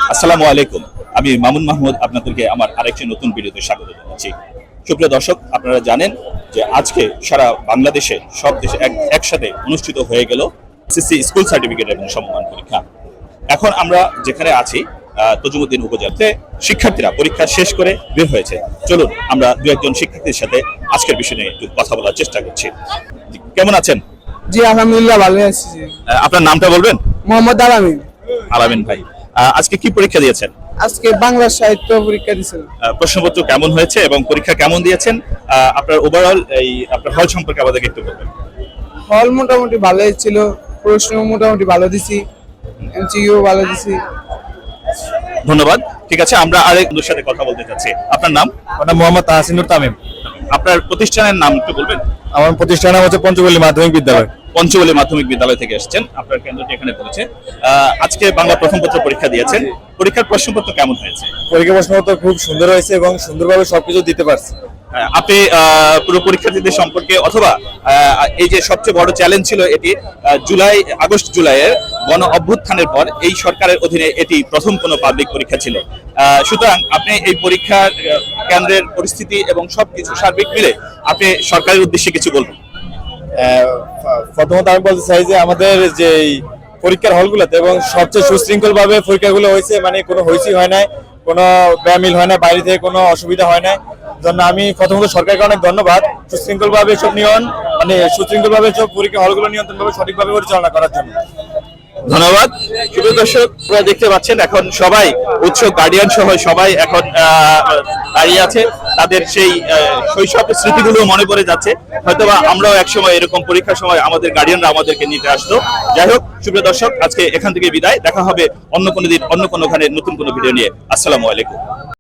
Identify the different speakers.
Speaker 1: আসসালামু আলাইকুম। আমি মামুন মাহমুদ আপনাদেরকে আমার আরেকটি নতুন ভিডিওতে স্বাগত জানাচ্ছি। সুপ্রিয় দর্শক, আপনারা জানেন যে আজকে সারা বাংলাদেশে সব দেশে একসাথে অনুষ্ঠিত হয়ে গেল এসএসসি স্কুল সার্টিফিকেট এবং সমমান পরীক্ষা। এখন আমরা যেখানে আছি তজুমুদ্দিন উপজেলাতে শিক্ষার্থীরা পরীক্ষা শেষ করে বের হয়েছে। চলুন আমরা দু একজন শিক্ষার্থীর সাথে আজকের বিষয় নিয়ে একটু কথা বলার চেষ্টা করছি। কেমন আছেন?
Speaker 2: জি আলহামদুলিল্লাহ ভালো আছি।
Speaker 1: আপনার নামটা বলবেন?
Speaker 2: মোহাম্মদ আলামিন।
Speaker 1: আলামিন ভাই, আজকে কি পরীক্ষা দিয়েছেন?
Speaker 2: আজকে বাংলা সাহিত্য পরীক্ষা দিয়েছিলাম।
Speaker 1: প্রশ্নপত্র কেমন হয়েছে এবং পরীক্ষা কেমন দিয়েছেন? আপনার ওভারঅল আপনার হল সম্পর্কে আমাদেরকে একটু বলবেন।
Speaker 2: হল মোটামুটি ভালোই ছিল, প্রশ্ন মোটামুটি ভালো দিছি, এমসিকিউ ভালো দিছি।
Speaker 1: ধন্যবাদ। ঠিক আছে, আমরা আরেকজনের সাথে কথা বলতে চাচ্ছি। আপনার নাম?
Speaker 3: আমার মোহাম্মদ তাহসিনুর তামিম।
Speaker 1: আপনার প্রতিষ্ঠানের নাম একটু বলবেন?
Speaker 3: আমার প্রতিষ্ঠান নাম হচ্ছে পঞ্চগড়ি মাধ্যমিক বিদ্যালয়।
Speaker 1: পঞ্চগড়ি মাধ্যমিক বিদ্যালয় থেকে এসেছেন, আপনার কেন্দ্রটি এখানে পড়েছে। আজকে বাংলা প্রথম পত্র পরীক্ষা দিয়েছেন, পরীক্ষার প্রশ্নপত্র কেমন হয়েছে?
Speaker 3: পরীক্ষা প্রশ্নপত্র খুব সুন্দর হয়েছে এবং সুন্দরভাবে সবকিছু দিতে পারছি।
Speaker 1: আপনি পুরো পরীক্ষার্থীদের সম্পর্কে অথবা এই যে সবচেয়ে বড় চ্যালেঞ্জ ছিল এটি আগস্ট জুলাইয়ের গণ অভ্যুত্থানের পর এই সরকারের অধীনে এটি প্রথম কোনো পাবলিক পরীক্ষা ছিল। সুতরাং আপনি এই পরীক্ষার কেন্দ্রের পরিস্থিতি এবং সবকিছু সার্বিক মিলে আপনি সরকারের উদ্দেশ্যে কিছু বলবেন।
Speaker 3: প্রথমত আমি বলতে চাই যে আমাদের যে পরীক্ষার হলগুলোতে এবং সবচেয়ে সুশৃঙ্খল ভাবে পরীক্ষাগুলো হয়েছে, মানে কোনো হইচই হয় নাই, কোনো ব্যামিল হয় না, বাইরে থেকে কোনো অসুবিধা হয় না। জন্য আমি প্রথমত সরকারকে অনেক ধন্যবাদ সুশৃঙ্খল ভাবে সব সুশৃঙ্খল ভাবে সব পরীক্ষা হলগুলো নিয়ন্ত্রণভাবে সঠিকভাবে পরিচালনা করার জন্য।
Speaker 1: ধন্যবাদ। প্রিয় দর্শক, আপনারা দেখতে পাচ্ছেন এখন সবাই উৎসুক, গার্ডিয়ান সহ সবাই এখন দাঁড়িয়ে আছে। তাদের সেই শৈশব স্মৃতিগুলো মনে পড়ে যাচ্ছে। হয়তোবা আমরাও একসময় এরকম পরীক্ষার সময় আমাদের গার্ডিয়ানরা আমাদেরকে নিতে আসতো। যাই হোক, সুপ্রিয় দর্শক, আজকে এখান থেকে বিদায়। দেখা হবে অন্য কোনো দিন অন্য কোনোখানে নতুন কোনো ভিডিও নিয়ে। আসসালামু আলাইকুম।